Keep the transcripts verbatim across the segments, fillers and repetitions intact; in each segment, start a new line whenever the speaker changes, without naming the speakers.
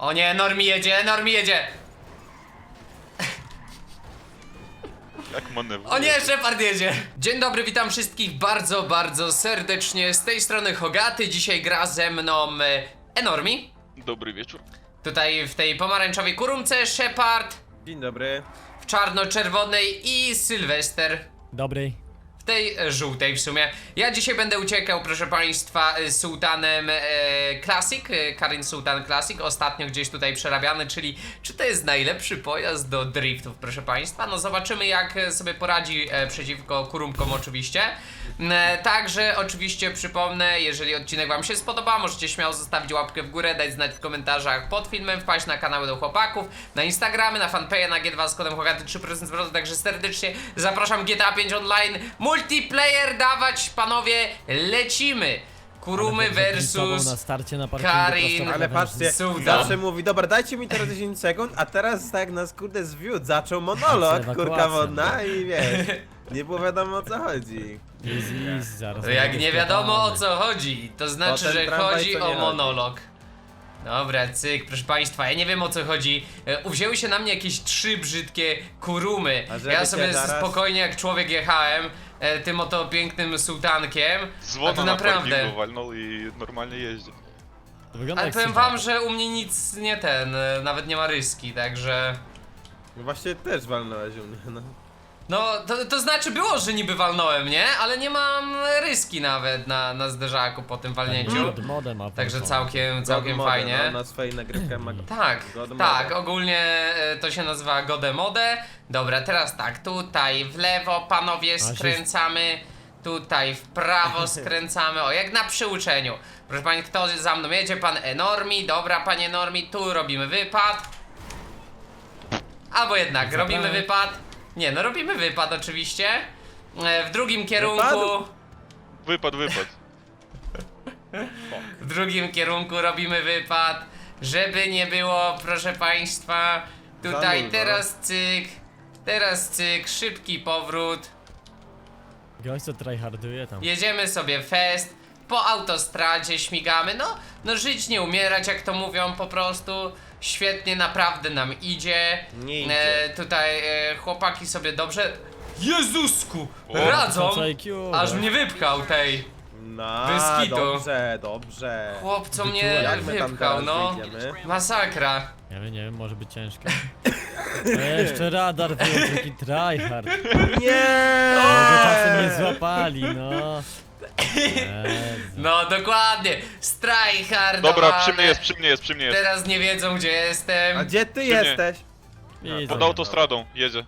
O nie, Normi jedzie, Normi jedzie!
Jak manewruje.
O nie, Shepard jedzie! Dzień dobry, witam wszystkich bardzo, bardzo serdecznie. Z tej strony Hogaty, dzisiaj gra ze mną e, Enormi.
Dobry wieczór.
Tutaj w tej pomarańczowej kurumce Shepard.
Dzień dobry.
W czarno-czerwonej i Sylwester.
Dobry.
W tej e, żółtej w sumie. Ja dzisiaj będę uciekał, proszę państwa, e, Sultanem e, Classic, e, Karin Sultan Classic, ostatnio gdzieś tutaj przerabiany, czyli czy to jest najlepszy pojazd do driftów, proszę państwa? No zobaczymy, jak sobie poradzi e, przeciwko kurumkom oczywiście. E, także oczywiście przypomnę, jeżeli odcinek wam się spodoba, możecie śmiało zostawić łapkę w górę, dać znać w komentarzach pod filmem, wpaść na kanały do chłopaków, na Instagramy, na fanpage'a, na G dwa z kodem Hogaty trzy procent zwrotu, także serdecznie zapraszam. G T A pięć Online, multiplayer dawać, panowie, lecimy! Kurumy versus
na starcie na parkingu
Karin.
prosto
Ale
na
patrzcie,
Sultan.
zawsze mówi, dobra, dajcie mi teraz dziesięć sekund, a teraz tak nas kurde zwiódł, zaczął monolog,
Ewakuacja.
kurka wodna i wiesz, nie było wiadomo o co chodzi.
Easy, easy, zaraz.
Jak nie wiadomo o co chodzi, to znaczy,
Potem
że
tramwaj
chodzi
to nie
o
chodzi.
monolog. Dobra, cyk, proszę państwa, ja nie wiem o co chodzi. E, Uwzięły się na mnie jakieś trzy brzydkie kurumy.
A żeby
Ja
cię
sobie
zaraz-
spokojnie jak człowiek jechałem e, tym oto pięknym sultankiem. A
Dzwona
tu
na
naprawdę.
parkingu walnął i normalnie jeździ.
To wygląda
Ale
jak
powiem
Subaru.
wam, że u mnie nic nie ten, e, nawet nie ma ryski, także...
No właśnie też walnąłeś u mnie, no.
No, to, to znaczy było, że niby walnąłem, nie? Ale nie mam ryski nawet na, na zderzaku po tym walnięciu.
God modem ma
Także
włączony.
całkiem, całkiem
God mode,
fajnie.
No, na swojej nagrywce ma go.
Tak,
God
tak,
mode.
ogólnie e, to się nazywa Godemode. Dobra, teraz tak, tutaj w lewo panowie
się-
skręcamy, tutaj w prawo skręcamy, o jak na przyuczeniu. Proszę pani, kto za mną jedzie? Pan Enormi, dobra panie Enormi, tu robimy wypad. Albo jednak,
Zapraszam.
robimy wypad. Nie, no robimy wypad oczywiście. E, W drugim kierunku...
Wypad?
Wypad, wypad.
W drugim kierunku robimy wypad, żeby nie było, proszę państwa, tutaj
Zamulwa.
teraz cyk, teraz cyk, szybki powrót,
Gość co tryharduje tam.
jedziemy sobie fest, po autostradzie śmigamy, no, no żyć nie umierać, jak to mówią po prostu, świetnie naprawdę nam idzie,
Nie idzie.
e, tutaj e, chłopaki sobie dobrze, Jezusku,
O,
radzą,
co I Q,
aż
tak.
mnie wypchał tej.
No,
Bez kitu.
dobrze, dobrze.
Chłop co mnie
Jak my tam
wypchał,
teraz
no,
wyjdziemy?
masakra.
Nie wiem, nie wiem, może być ciężko. A jeszcze radar wyjął taki tryhard.
Nie!
Może czasem nie złapali, no. Jezu.
No dokładnie, strajhardowane.
Dobra, przy mnie jest, przy mnie jest, przy mnie jest.
Teraz nie wiedzą gdzie jestem.
A gdzie ty
nie?
jesteś?
Widzę.
Pod autostradą, jedzie.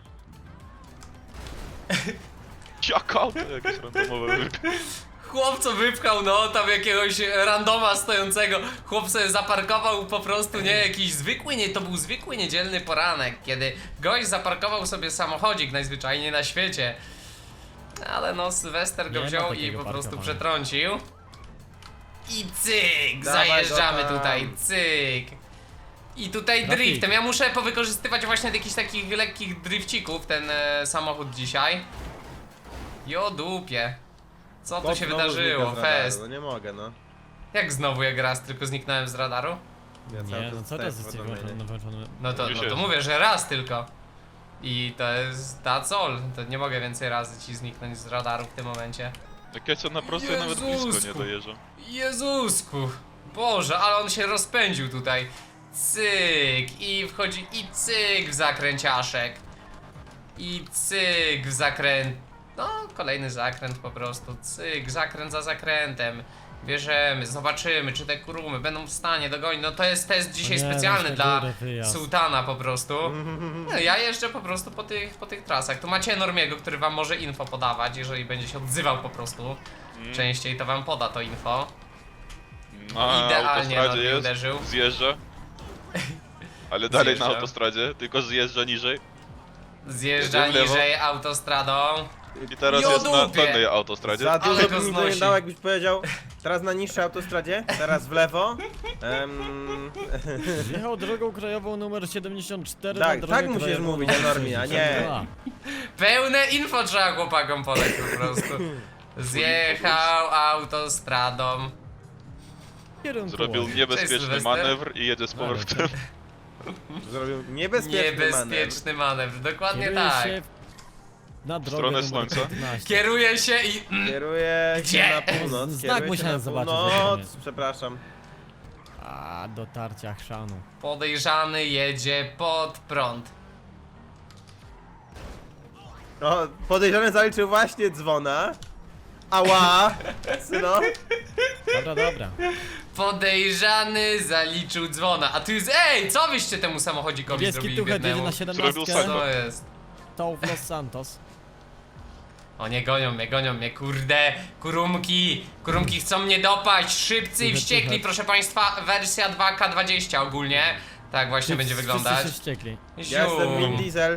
Jak auto jakieś randomowe.
Chłop co wypchał, no tam jakiegoś randoma stojącego. Chłop sobie zaparkował po prostu, nie, jakiś zwykły, nie, to był zwykły niedzielny poranek, kiedy gość zaparkował sobie samochodzik najzwyczajniej na świecie. Ale no, Sylwester go
Nie ma
wziął i
takiego
po prostu
parkowania.
przetrącił. I cyk,
Dawaj
zajeżdżamy
go tam.
tutaj, cyk. I tutaj
Trafik.
driftem, ja muszę powykorzystywać właśnie jakichś takich lekkich drifcików ten e, samochód dzisiaj. Jo dupie. Co tu
Chłop
się
znowu
wydarzyło?
znika z radaru,
Fest.
No nie mogę, no.
Jak znowu jak raz tylko zniknąłem z radaru?
Ja cały
Nie,
czas
no co
zostaję
teraz jest
powiadomienie.
włączony? włączony-
No to,
Już
no to
jest.
mówię, że raz tylko. I to jest that's all. To nie mogę więcej razy ci zniknąć z radaru w tym momencie.
Jak ja co na prostej nawet blisko nie
Jezusku.
dojeżdżam.
Jezusku! Boże, ale on się rozpędził tutaj. Cyk! I wchodzi i cyk w zakręciaszek. I cyk w zakręt. No, kolejny zakręt po prostu. Cyk, zakręt za zakrętem. Bierzemy, zobaczymy, czy te kurumy będą w stanie dogonić. No to jest test dzisiaj
O nie,
specjalny
weź na
dla
górę wyjazd.
Sultana po prostu. No, ja jeżdżę po prostu po tych, po tych trasach. Tu macie Normiego, który wam może info podawać, jeżeli będzie się odzywał po prostu.
Mm.
Częściej to wam poda to info.
Na
Idealnie
autostradzie
Normi
jest,
uderzył.
zjeżdża. Ale dalej
Zjeżdża.
na autostradzie, tylko zjeżdża niżej.
Zjeżdża
Jedzie w lewo.
niżej autostradą.
I teraz
Jo
jest na
dupie.
dolnej autostradzie.
Za
Ale
dużo
go
by mi
znosi.
nie dało, jakbyś powiedział teraz na niższej autostradzie, teraz w lewo. Em,
Wjechał drogą krajową numer siedemdziesiąt cztery
Tak,
na drogę
tak musisz
krajową
mówić,
numer
Enormi, a nie-
sześćdziesiąt dwa.
Pełne info trzeba chłopakom podać po prostu. Zjechał autostradą.
Kierunku.
Zrobił niebezpieczny
Sylwester.
manewr i jedzie z
No, ale
powrotem.
Zrobił niebezpieczny manewr.
Niebezpieczny manewr, dokładnie
Kieruje
tak.
się na drogę
stronę
numer
słońca.
piętnaście.
Kieruje się i...
Kieruje
Gdzie?
się na północ.
Znak
kieruje się
musiałem
na
zobaczyć,
północ.
żeby
Przepraszam.
A, dotarcia chrzanu.
Podejrzany jedzie pod prąd.
No, podejrzany zaliczył właśnie dzwona. Ała! Syno.
Dobra, dobra.
Podejrzany zaliczył dzwona. A tu jest... Ej, co wyście temu samochodzikowi
Niebieski
zrobili
tuchet jedzie
biednemu?
na
Zrobił
siedemnastkę.
salto.
Co jest?
To w Los Santos.
O, nie gonią mnie, gonią mnie, kurde. Kurumki, kurumki chcą mnie dopaść. Szybcy i
Tuchet,
wściekli,
tuchet.
proszę państwa. Wersja dwa K dwadzieścia ogólnie. Tak właśnie będzie
Wszyscy
wyglądać.
się wściekli.
Ja jestem Vin
Zium.
Diesel.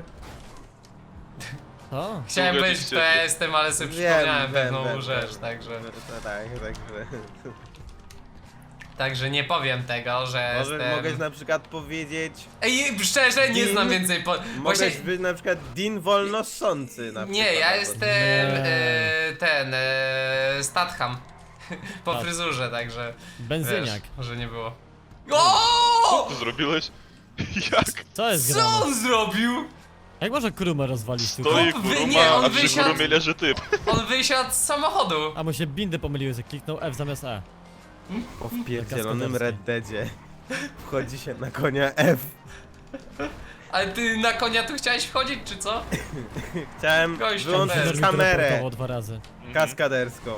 O,
Chciałem
Tuchet
być
i
w
wściekli.
P S-tem, ale sobie
Wiem,
przypomniałem
wiem,
pewną
wiem,
rzecz,
wiem.
także...
No tak, także.
Także nie powiem tego, że
Może
jestem...
mogę na przykład powiedzieć.
Ej, szczerze, nie
Din-
znam więcej po... Właśnie...
Mogę być na przykład Dean wolnosący na
Nie,
przykład.
ja
albo-
jestem
Nie.
e, ten, e, Statham. Po
Tak.
fryzurze, także...
benzyniak.
Wiesz, że nie było. O!
Co zrobiłeś? Jak?
Co jest
Co
grane?
on zrobił?
Jak może krumę rozwalić tu?
Stoi
Chłop wy-
kuruma,
nie, on
a przy
wysiadł-
kurumie leży typ.
On wysiadł z samochodu.
A mu się bindy pomyliły, że kliknął F zamiast E.
Po wpierdzielonym
Kaskaderski.
Red Deadzie wchodzi się na konia F.
Ale ty na konia tu chciałeś wchodzić, czy co?
Chciałem
Gościu,
wyłączyć
bez.
Normi
kamerę
teleportował dwa razy.
kaskaderską.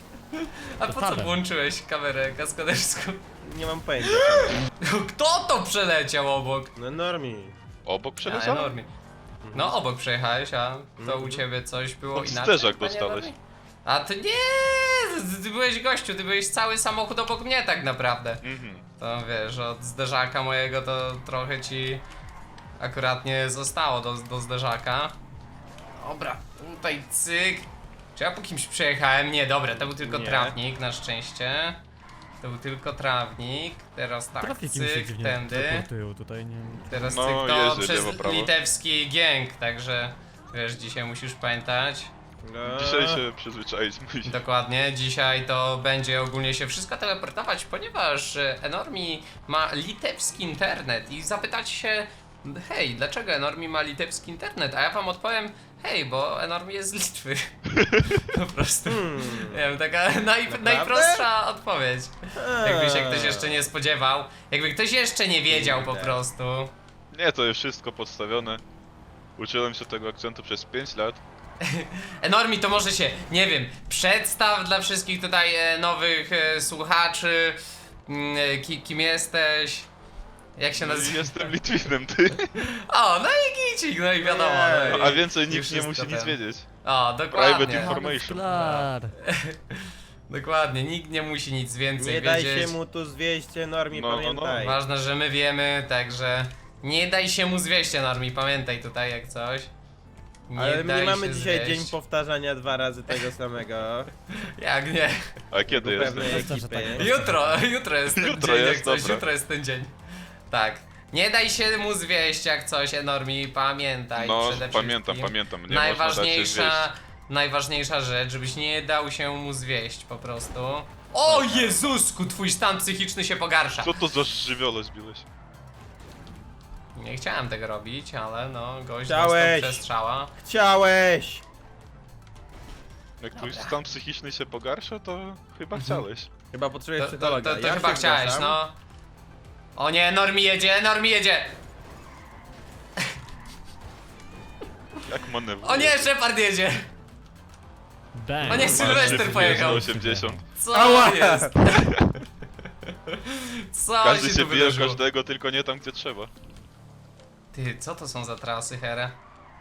A po co
Totalem.
włączyłeś kamerę kaskaderską?
Nie mam pojęcia.
Kto to przeleciał obok?
No Normi.
Obok
A,
przeleciał?
enormie. No obok przejechałeś, a to u
Mhm.
ciebie coś było
Pod
inaczej?
zderzak
panie
dostałeś.
Enormie? A ty nie! Ty byłeś gościu, ty byłeś cały samochód obok mnie tak naprawdę.
Mhm.
To wiesz, od zderzaka mojego to trochę ci akurat nie zostało do, do zderzaka. Dobra, tutaj cyk. Czy ja po kimś przejechałem? Nie, dobra, to był tylko
Nie.
trawnik, na szczęście. To był tylko trawnik. Teraz tak,
Trafiki mi się
cyk,
dziwnie
tędy.
teleportują tutaj, nie
Teraz
No,
cyk, to
jeździ
przez
lewo, prawo.
litewski gang, także wiesz, dzisiaj musisz pamiętać.
No.
Dzisiaj się przyzwyczaić musi.
Dokładnie, dzisiaj to będzie ogólnie się wszystko teleportować, ponieważ e, Enormi ma litewski internet i zapytacie się, hej, dlaczego Enormi ma litewski internet? A ja wam odpowiem, hej, bo Enormi jest z Litwy. Po prostu.
Hmm.
Nie wiem, taka naj, najprostsza odpowiedź. Jakby się ktoś jeszcze nie spodziewał, jakby ktoś jeszcze nie wiedział po
Kurde.
prostu.
Nie, to jest wszystko podstawione. Uczyłem się tego akcentu przez pięć lat.
Enormi, to może się, nie wiem, przedstaw dla wszystkich tutaj e, nowych e, słuchaczy. Mm, e, ki, kim jesteś? Jak się
No,
nazywa?
jestem Litwinem, ty.
O, no i gicik, no i wiadomo.
Nie.
No i,
A więcej
i
nikt nie
wszystko
musi
ten.
nic wiedzieć.
O,
Private
dokładnie.
information.
Klar.
Dokładnie, nikt nie musi nic więcej
Nie daj
wiedzieć.
się mu tu zwieść, Normi,
No, no, no.
pamiętaj.
Ważne, że my wiemy, także nie daj się mu zwieść, Enormi, pamiętaj tutaj jak coś. Nie
Ale my
daj
nie mamy
się
dzisiaj
zwieść.
dzień powtarzania dwa razy tego samego.
Jak nie?
A kiedy jest?
Pewnej
Jest to, że
ekipy.
tak.
Jutro, jutro jest ten
Jutro
dzień,
jest,
jak coś,
dobra.
jutro jest ten dzień. Tak. Nie daj się mu zwieść jak coś, Enormi, pamiętaj
No,
przede
pamiętam,
wszystkim.
pamiętam. Nie można dać się
Najważniejsza,
zwieść.
najważniejsza rzecz, żebyś nie dał się mu zwieść po prostu. O Jezusku, twój stan psychiczny się pogarsza.
Co to za żywioło zbiłeś?
Nie chciałem tego robić, ale no, gość
Chciałeś.
dostał przestrzała.
Chciałeś!
Jak twój
Dobra.
stan psychiczny się pogarsza, to chyba
Mhm.
chciałeś.
Chyba potrzebujesz
To, to,
psychologa.
to, to
Ja
chyba
się
chciałeś,
zgłaszam.
no. O nie, Normi jedzie, Normi jedzie!
Jak manewruje?
O nie, Shepard jedzie!
Bang.
O nie, Sylwester pojechał.
osiemdziesiąt.
Co
Ała!
jest? Co
Każdy
się
się
tu
bije o
wydarzyło?
każdego, tylko nie tam, gdzie trzeba.
Ty, co to są za trasy, Here?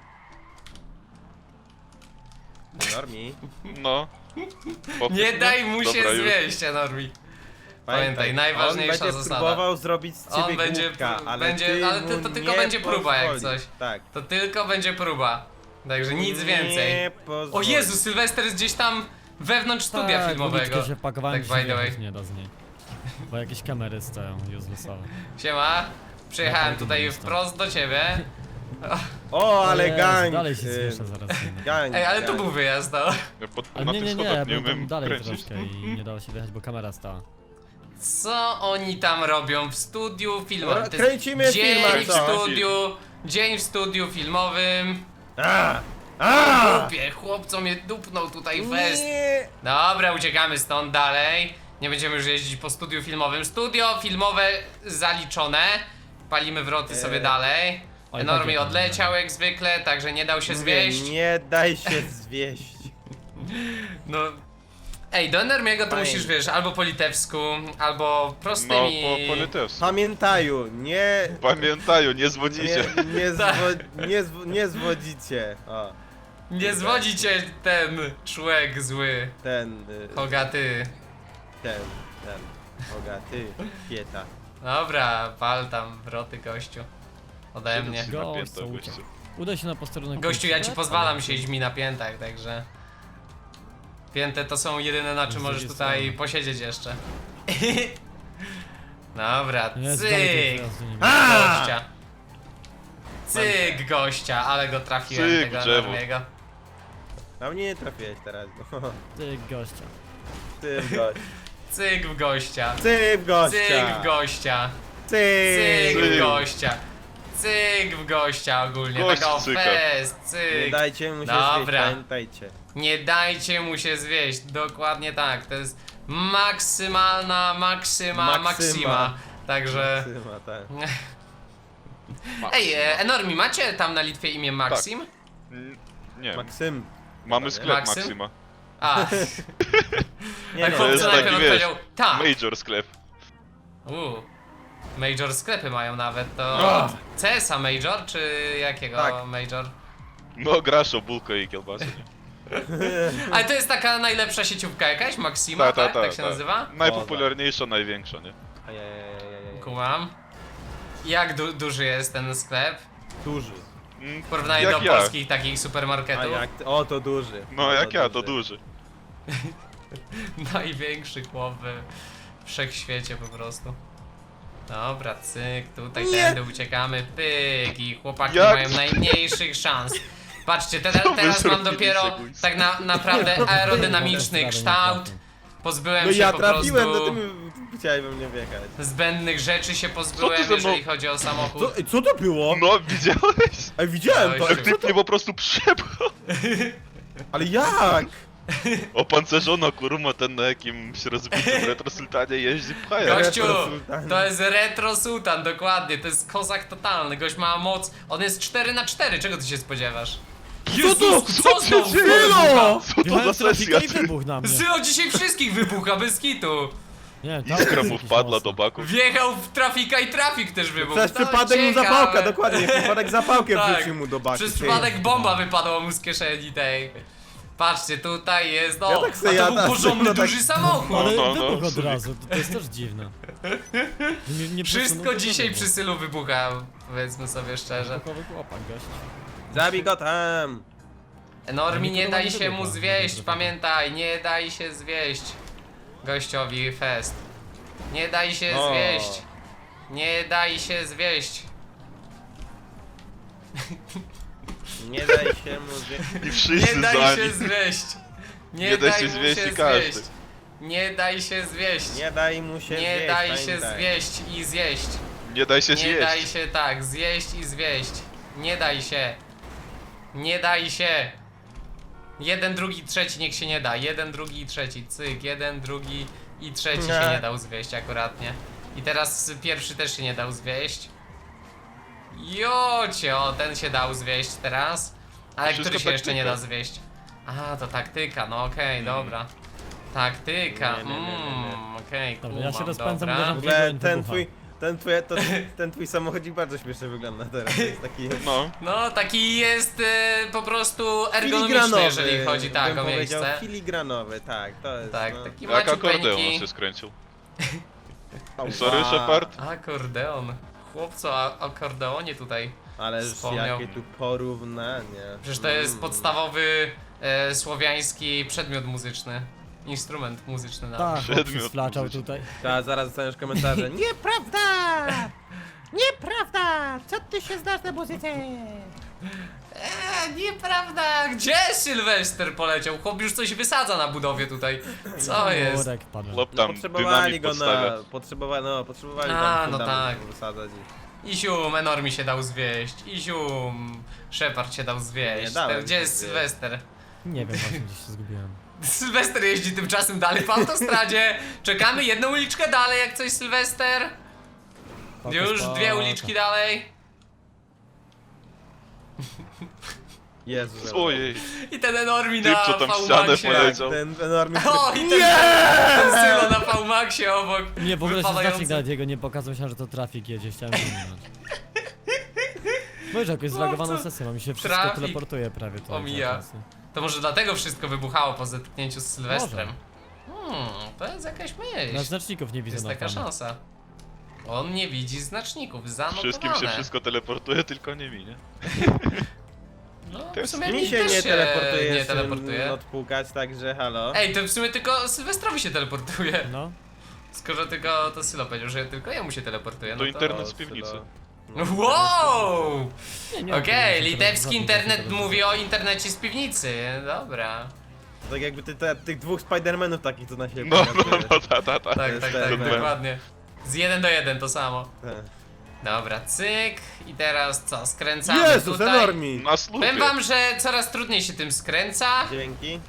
Normi,
No. Popyt,
Nie
no.
daj mu się
Dobra, już.
zwieść, Enormi. Pamiętaj, najważniejsza
on będzie
zasada.
próbował zrobić z ciebie
On będzie
głupka,
pró-
ale
będzie-
ty
ale to-
mu
to tylko
nie
będzie próba jak
pozwolisz.
coś.
Tak.
To tylko będzie próba. Także nic więcej.
Nie
O
pozwolisz.
Jezu, Sylwester jest gdzieś tam wewnątrz studia
Tak,
filmowego.
uliczkę się wpakowałem,
Tak,
tak,
by the way.
się nie da z niej. Bo jakieś kamery stoją uselessowe.
Siema. Przyjechałem
Ja
tutaj
tam
wprost do ciebie.
O, ale
Jezu,
gang!
Dalej się
y,
słyszę zaraz. Nie.
Gang,
Ej, ale tu
gang.
był wyjazd, no.
Ja pod,
Ale
na
nie,
tych
nie, nie,
schodach nie
byłem tam
umiem
dalej
kręcić.
troszkę i nie dało się wjechać, bo kamera stała.
Co oni tam robią w studiu filmowym?
Ro-
To jest
kręcimy
dzień
film,
w
a co?
studiu, dzień w studiu filmowym.
A! A!
Dupie, chłopco mnie dupnął tutaj fest.
Nie!
Dobra, uciekamy stąd dalej. Nie będziemy już jeździć po studiu filmowym. Studio filmowe zaliczone. Palimy wroty
Eee.
sobie dalej.
Oj,
Enormi
tak,
odleciał jak zwykle, także nie dał się
Mówię,
zwieść.
nie daj się zwieść.
No. Ej, do Enormiego to
Fajnie.
musisz, wiesz, albo po litewsku, albo
No,
prostymi...
po, po litewsku.
Pamiętaju, nie...
Pamiętają, nie zwodzicie.
Nie, nie,
Tak.
zwo, nie, zwo, nie zwodzicie. O,
Nie zwodzi cię ten człowiek zły.
ten, y,
Hogaty.
ten, ten. Oga, ty, pieta.
Dobra, pal tam wroty, gościu. Ode mnie.
Siedem
Gość,
napięta,
co
gościu.
uciekł. Udaj się na posterunek.
Gościu, ja ci
policji.
pozwalam siedzieć mi na piętach, także... Pięte to są jedyne, na czym
Z
możesz
drugiej
tutaj
strony.
posiedzieć jeszcze. Dobra,
Nie, dalej tej
cyk!
przejazdu nie
A!
Gościa. Cyk gościa, ale go trafiłem
Cyk,
tego
drzewo.
Enormiego.
Na mnie nie trafiłeś teraz.
Ty gościa.
Ty w gość.
Cyk w gościa.
Ty w gościa.
Cyk w gościa.
Ty.
Cyk w
Cyk.
gościa. Cyk w gościa ogólnie.
Gość
Taka o
cyka.
fest,
Nie
cyk.
dajcie mu się
Dobra.
zwieść, pamiętajcie.
Nie dajcie mu się zwieść. Dokładnie tak. To jest maksymalna maksyma
Maksyma.
maksima. Także...
Maksyma, tak.
Ej, e, Enormi, macie tam na Litwie imię Maksim?
Mm, Nie,
Maksym.
mamy
nie?
sklep
Maksym?
Maksima.
A,
Nie
a
no,
to jest
chłopca najpierw
taki, wiesz,
odpowiedział tak.
Major sklep.
Uuu. Major sklepy mają nawet, to...
O!
C S a Major, czy jakiego
Tak.
Major?
No, grasz o bułkę i kiełbasę, nie?
Ale to jest taka najlepsza sieciówka jakaś? Maxima,
Ta, ta,
tak?
ta,
tak się
ta.
nazywa?
Najpopularniejsza, największa, nie?
Ajajajajajaj.
Kumam. Jak du duży jest ten sklep?
Duży.
Mm,
W porównaniu
jak
do
ja.
polskich takich
A
supermarketów.
jak ty? O, to duży.
No, jak ja, to duży.
Największy chłop we wszechświecie po prostu. Dobra, cyk, tutaj
Nie.
tędy uciekamy, pyk i chłopaki
Jak?
mają najmniejszych szans. Patrzcie, te,
Co wy
teraz mam
zrobiliście,
dopiero
kuźwa?
tak na, naprawdę aerodynamiczny
Nie
kształt.
trafię.
Pozbyłem
No
się
ja
po
trafiłem, no
prostu
ty mi chciałeś we mnie wjechać.
zbędnych rzeczy się
Co
pozbyłem,
ty ze mną-
jeżeli chodzi o samochód.
Co, ej, co to było?
No, widziałeś?
Ej, widziałem to,
Dałeś
ej,
Jak
co
ty
to?
mnie po prostu przepchał.
Ale jak?
Opancerzono kurma ten na jakimś rozbitym retrosultanie jeździ pchaja.
Gościu,
Retro Sultan.
to jest Retro Sultan, dokładnie, to jest kozak totalny, gość ma moc, on jest cztery na cztery, czego ty się spodziewasz? Jezus, co
się
znowu
dzieje?
wybucha?
Co to
Wjechałem
za
w trafikę
sesja?
i wybuch na mnie.
Zylo dzisiaj wszystkich wybucha, bez kitu.
Nie, tam
Iskra
jest
mu
jakiś
wpadła
mocny.
do baku.
Wjechał w trafika i trafik też wybuchł.
Przez
To
przypadek mu
ciekawe.
zapałkę, dokładnie, przez przypadek zapałkę
Tak,
wrzucił mu do baki.
Przez
ty.
przypadek bomba wypadła mu z kieszeni tej. Patrzcie, tutaj jest, no,
Ja tak se
a to
jadam,
był porządny,
no tak-
duży samochód.
Ale
No, no,
wybuch
no,
od
sobie.
razu, to, to jest też dziwne. Nie, nie
Wszystko
przesunął
dzisiaj
tego.
przy Sylu wybucha, powiedzmy sobie szczerze.
Wybuchowy chłopak, gość.
Zabij go tam!
Normi, nie
nikogo
daj
nie
się
wybucha,
mu
nie
zwieść,
wybucha.
pamiętaj, nie daj się zwieść gościowi fest. Nie daj się
O.
zwieść. Nie daj się zwieść.
Nie daj się mu zwieść.
I wszyscy
Nie
za
daj się
nim.
zwieść. Nie,
Nie daj
daj
się
mu
zwieść
się
i każdy.
zwieść. Nie daj się zwieść.
Nie daj mu się
Nie
zwieść,
daj się
pamiętaj.
zwieść i zjeść.
Nie daj się
Nie daj
zjeść.
się tak, zjeść i zwieść. Nie daj się. Nie daj się. Jeden, drugi, trzeci niech się nie da. Jeden, drugi i trzeci. Cyk. Jeden, drugi i trzeci się
Nie.
nie dał zwieść akuratnie. I teraz pierwszy też się nie dał zwieść. Jocie, o ten się dał zwieść teraz. Ale
Wszystko
który się jeszcze nie
taktyka.
da zwieść? A, to taktyka, no okej, dobra. Taktyka,
Nie, nie, nie, nie, nie.
mmm, okej,
Dobra, ja się
kumam,
rozpędzam,
dobra.
uderzam
W ogóle
Wybucha.
ten twój, ten twój, to, ten twój samochodzik bardzo śmiesznie wygląda teraz. To jest taki
No,
No, taki jest e, po prostu ergonomiczny,
filigranowy,
jeżeli chodzi tak
bym
o
powiedział,
miejsce.
filigranowy, tak, to jest.
Tak,
no.
taki
jak akordeon
maciupeńki.
się skręcił.
Ała.
Sorry, Shepard.
Akordeon. Chłopco, a akordeonie tutaj.
Ależ
Wspomniał.
jakie tu porównanie.
Przecież to jest
Mm.
podstawowy e, słowiański przedmiot muzyczny. Instrument muzyczny nawet.
Tak,
Przedmiot
chłop się sflaczał
muzyczny.
tutaj.
Ta, zaraz dostaniesz komentarze. Nieprawda! Nieprawda! Co ty się znasz na muzyce?
Eee, nieprawda! Gdzie Sylwester poleciał? Chłop już coś wysadza na budowie tutaj. Co jest?
Murek padł.
Chłop
No,
tam
potrzebowali
dynamit
go
podstawia.
na... Potrzebowali, no, potrzebowali
A,
tam
no
fundament
tak.
wysadzać i...
Isium, Enormi się dał zwieść. Isium, Shepard się dał zwieść.
Nie dałem
Gdzie
się
jest
zwieść.
Sylwester?
Nie wiem, właśnie gdzieś się zgubiłem.
Sylwester jeździ tymczasem dalej po autostradzie. Czekamy jedną uliczkę dalej, jak coś Sylwester.
Spoko,
Już
spoko.
dwie uliczki dalej.
Jezu.
Ojej,
I ten Enormi
Typ,
na
co tam ścianę
V-Maxie.
poleciał.
Ten enormny...
O, i ten, ten Sylo na V-Maxie obok.
Nie, w ogóle się
wypadający.
znacznik nawet jego nie pokazał, myślałem, że to trafik jedzie, chciałem wyminąć. Możesz jakąś zlagowaną
Chłopcu,
sesję, mam mi się wszystko
trafik
teleportuje prawie tutaj.
omija.
za czasy.
To może dlatego wszystko wybuchało po zetknięciu z Sylwestrem. Hmm, to jest jakaś
Na
myśl.
znaczników nie widzę
Jest
na
taka
planie.
szansa. On nie widzi znaczników, zanotowane.
wszystkim się wszystko teleportuje, tylko nie mi, nie?
No, w
Też
sumie
Mi się
też
nie teleportuje,
nie
nie
teleportuje.
odpukać, także halo.
Ej, to w sumie tylko Sylwestrowi się teleportuje.
No,
Skoro tylko to Sylo powiedział, że tylko jemu się teleportuje, no
To
to...
internet z piwnicy.
Wow!
nie, nie mam
Okej,
pojęcia,
litewski
żadnych
internet
żadnych
mówi o internecie z piwnicy. Dobra.
Tak jakby ty, te, tych dwóch Spidermanów takich, co na siebie
No, no,
pokazujesz.
no, ta, ta, ta.
Tak,
jest
tak,
ten
tak,
mem.
dokładnie. Z jeden do jeden to samo.
Tak.
Dobra, cyk. I teraz co, skręcamy
Jezus,
tutaj.
enormi!
Na słupie.
Powiem wam, że coraz trudniej się tym skręca.
Dzięki.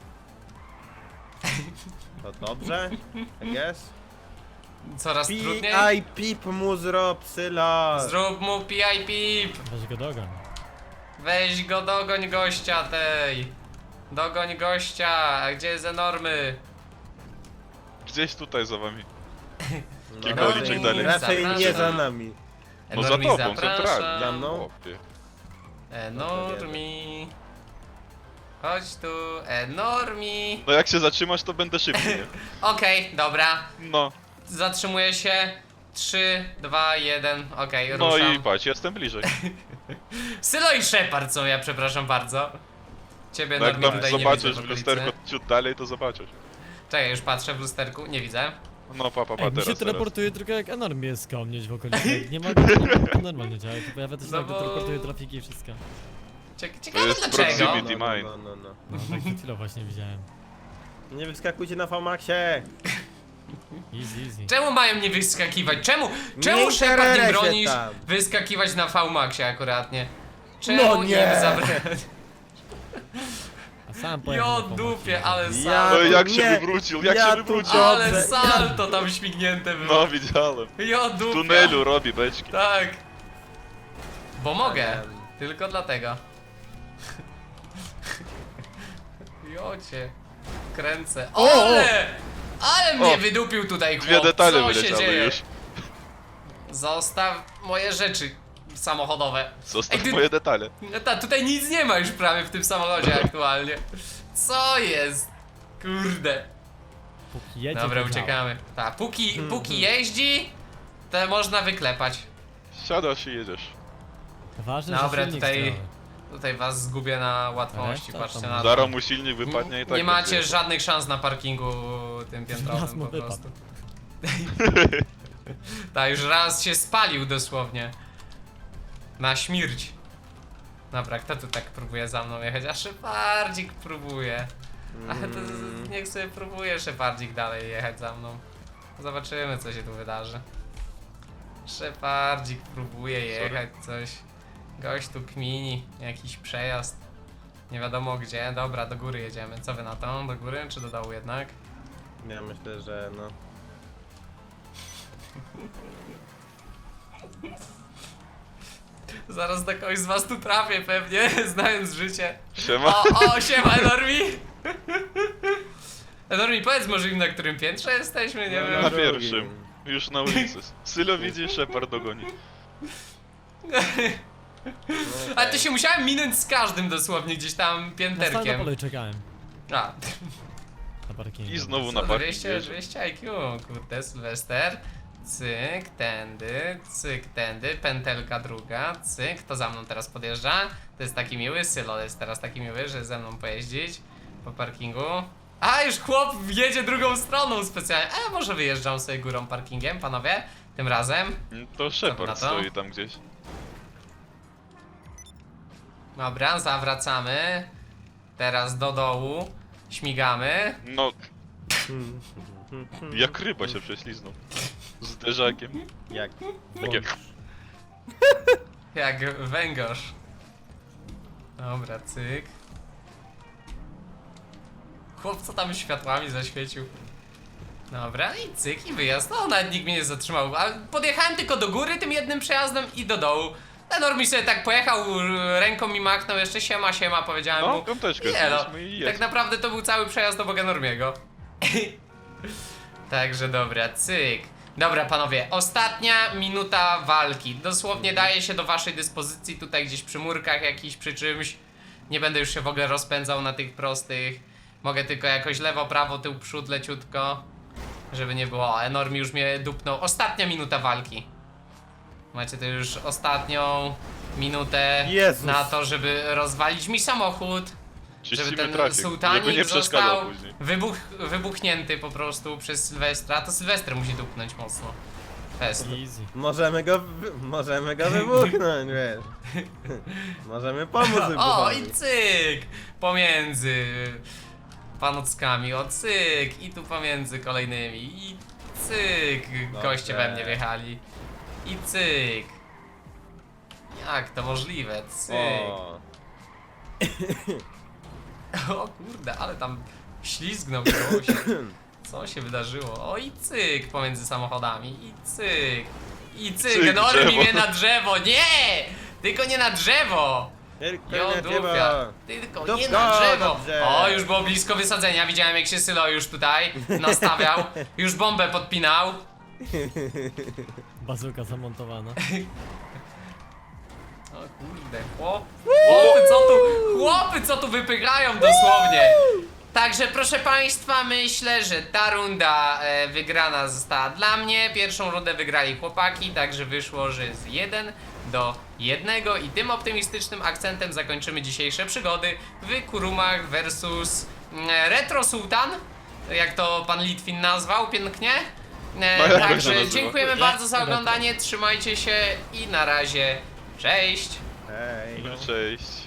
To dobrze, I guess.
Coraz trudniej.
P I pip mu zrób, psyla.
Zrób mu P I pip.
Weź go dogon.
Weź go, dogoń gościa tej. Dogoń gościa. A gdzie jest enormy?
Gdzieś tutaj za wami.
No,
Kilka
raczej-
uliczek dalej.
Raczej nie za
Zapraszam.
nami.
No za
Enormi
tobą,
zapraszam.
centralnie.
Za mną?
Chłopie.
Enormi. Chodź tu, Enormi.
No jak się zatrzymasz, to będę szybciej, nie?
Okej, dobra.
No,
Zatrzymuję się. trzy, dwa, jeden. Okej,
no
ruszam.
i patrz, jestem bliżej.
Sylo i Shepard są, ja przepraszam bardzo. Ciebie
No jak
Normi
tam
tutaj nie
zobaczysz
widzę w
w
okolicy.
lusterko ciut dalej, to zobaczysz.
Czekaj, już patrzę w lusterku, nie widzę.
No pa, pa, pa,
Ej, mi
teraz,
się
teraz.
teleportuje tylko jak enorm jest koło mnie w okolicy. Nie ma, nie ma to normalnie działa, to pojawia też
No
tak,
bo-
teleportuje trafiki i wszystko.
Cie- Ciekawe
jest
dlaczego.
proximity.
No, no,
mine.
no, no, no.
No, tak przed chwilą właśnie widziałem.
Nie wyskakujcie na V-Maxie.
Easy, easy.
Czemu mają nie wyskakiwać? Czemu, czemu
Nie
Shepard nie
interesuje
bronisz
tam.
wyskakiwać na V-Maxie akuratnie? Czemu
No nie.
im zabrać?
A sam pojechał
Jo
na pomoc.
dupie, ale
Ja-
salto.
No jak
nie,
się wywrócił, jak
ja
się
tu
wywrócił.
Ale
Dobrze.
salto tam śmignięte było.
No widziałem.
Jo
W
dupie.
tunelu robi beczki.
Tak. Bo mogę.
Em.
Tylko dlatego. Jocie. Kręcę.
O, o.
Ale! Ale mnie
O.
wydupił tutaj chłop.
Dwie detale
Co się
wyleciały
dzieje?
już.
Zostaw moje rzeczy samochodowe.
Zostaw
Ej, ty-
moje detale.
No ta, tutaj nic nie ma już prawie w tym samochodzie aktualnie. Co jest? Kurde.
Póki jedzie,
Dobra,
to działa.
uciekamy. Ta, póki, póki jeździ, to można wyklepać.
Siadasz i jedziesz.
Ważne,
Dobra,
że silnik
tutaj-
zdrowy.
Tutaj was zgubię na łatwości,
Reszta
patrzcie
tam-
na to.
Zaraz mu silnik wypadnie i tak
Nie macie
będzie.
żadnych szans na parkingu tym
Raz
piętrowym
mu
po
wypadł.
prostu. Tak, już raz się spalił dosłownie. Na śmierć. Dobra, kto tu tak próbuje za mną jechać? A Szepardzik próbuje. Ale to z- niech sobie próbuje Szepardzik dalej jechać za mną. Zobaczymy, co się tu wydarzy. Szepardzik próbuje jechać coś. Gość tu kmini, jakiś przejazd. Nie wiadomo gdzie. Dobra, do góry jedziemy. Co wy na to? Do góry czy do dołu jednak?
Ja myślę, że no.
Zaraz do kogoś z was tu trafię pewnie, znając życie.
Siema.
O, o, siema Enormi! Enormi, powiedz może im, na którym piętrze jesteśmy, nie
No,
wiem.
Na
drugim.
pierwszym. Już na ulicy. Sylo widzi, Shepard dogoni.
no
Ale to
okej.
się musiałem minąć z każdym dosłownie gdzieś tam
Na stałym
pięterkiem.
polu czekałem.
A,
Na parkingu.
I znowu na
co,
parking
dwieście,
jedzie.
dwieście I Q, kurde, Sylwester. Cyk, tędy, cyk, tędy, pętelka druga, cyk, to za mną teraz podjeżdża. To jest taki miły, Sylo jest teraz taki miły, że ze mną pojeździć po parkingu. A, już chłop jedzie drugą stroną specjalnie. A, może wyjeżdżam sobie górą parkingiem, panowie, tym razem.
To
na
Shepard
to?
stoi tam gdzieś.
Dobra, zawracamy. Teraz do dołu. Śmigamy.
No, jak ryba się prześliznął. Z derzakiem.
Jak?
Takie...
Jak węgorz. Dobra, cyk. Chłop co tam światłami zaświecił. Dobra, i cyk, i wyjazd. No, nawet nikt mnie nie zatrzymał. A podjechałem tylko do góry tym jednym przejazdem i do dołu. Ten Normi sobie tak pojechał, ręką mi machnął, jeszcze siema, siema, powiedziałem
No,
mu.
piąteczkę
I elo.
zbiliśmy i
Tak
jest.
naprawdę to był cały przejazd do Boga Normiego. Także dobra, cyk. Dobra panowie, ostatnia minuta walki. Dosłownie daje się do waszej dyspozycji tutaj gdzieś przy murkach jakiś, przy czymś. Nie będę już się w ogóle rozpędzał na tych prostych. Mogę tylko jakoś lewo, prawo, tył, przód leciutko. Żeby nie było, o, Enormi już mnie dupnął. Ostatnia minuta walki. Macie to już ostatnią minutę
Jezus.
na to, żeby rozwalić mi samochód. Żeby
Czyścimy
ten
trafik, żeby
sułtanik
nie przeszkadzał
został
później.
wybuch, wybuchnięty po prostu przez Sylwestra. To Sylwester musi dupnąć mocno. Fest.
Easy.
Możemy go, wy- możemy go wybuchnąć, wiesz. Możemy pomóc
O,
wybuchowi.
i cyk! Pomiędzy panockami, o cyk! I tu pomiędzy kolejnymi, i cyk! Goście we mnie wjechali. I cyk! Jak to możliwe? Cyk!
O.
O kurde, ale tam ślizgnął się. Co się wydarzyło? O i cyk pomiędzy samochodami. I cyk. I cyk.
Cyk,
Normi
drzewo.
mnie na drzewo. Nie! Tylko nie na drzewo.
Tylko
Jo,
nie
dupia.
dziewa.
Tylko
Dupka
nie na drzewo.
na drzewo.
O, już było blisko wysadzenia. Widziałem jak się Sylo już tutaj nastawiał. Już bombę podpinał.
Bazuka zamontowana.
O kurde, chłop, chłopy co tu, chłopy co tu wypychają dosłownie. Także proszę państwa, myślę, że ta runda e, wygrana została dla mnie. Pierwszą rundę wygrali chłopaki, także wyszło, że z jeden do jednego i tym optymistycznym akcentem zakończymy dzisiejsze przygody w Kurumach versus mm, Retro Sultan, jak to pan Litwin nazwał pięknie. E,
No, jak to się
także
nazywa?
dziękujemy
Jak?
bardzo za oglądanie, trzymajcie się i na razie, cześć!
Hej.
Cześć.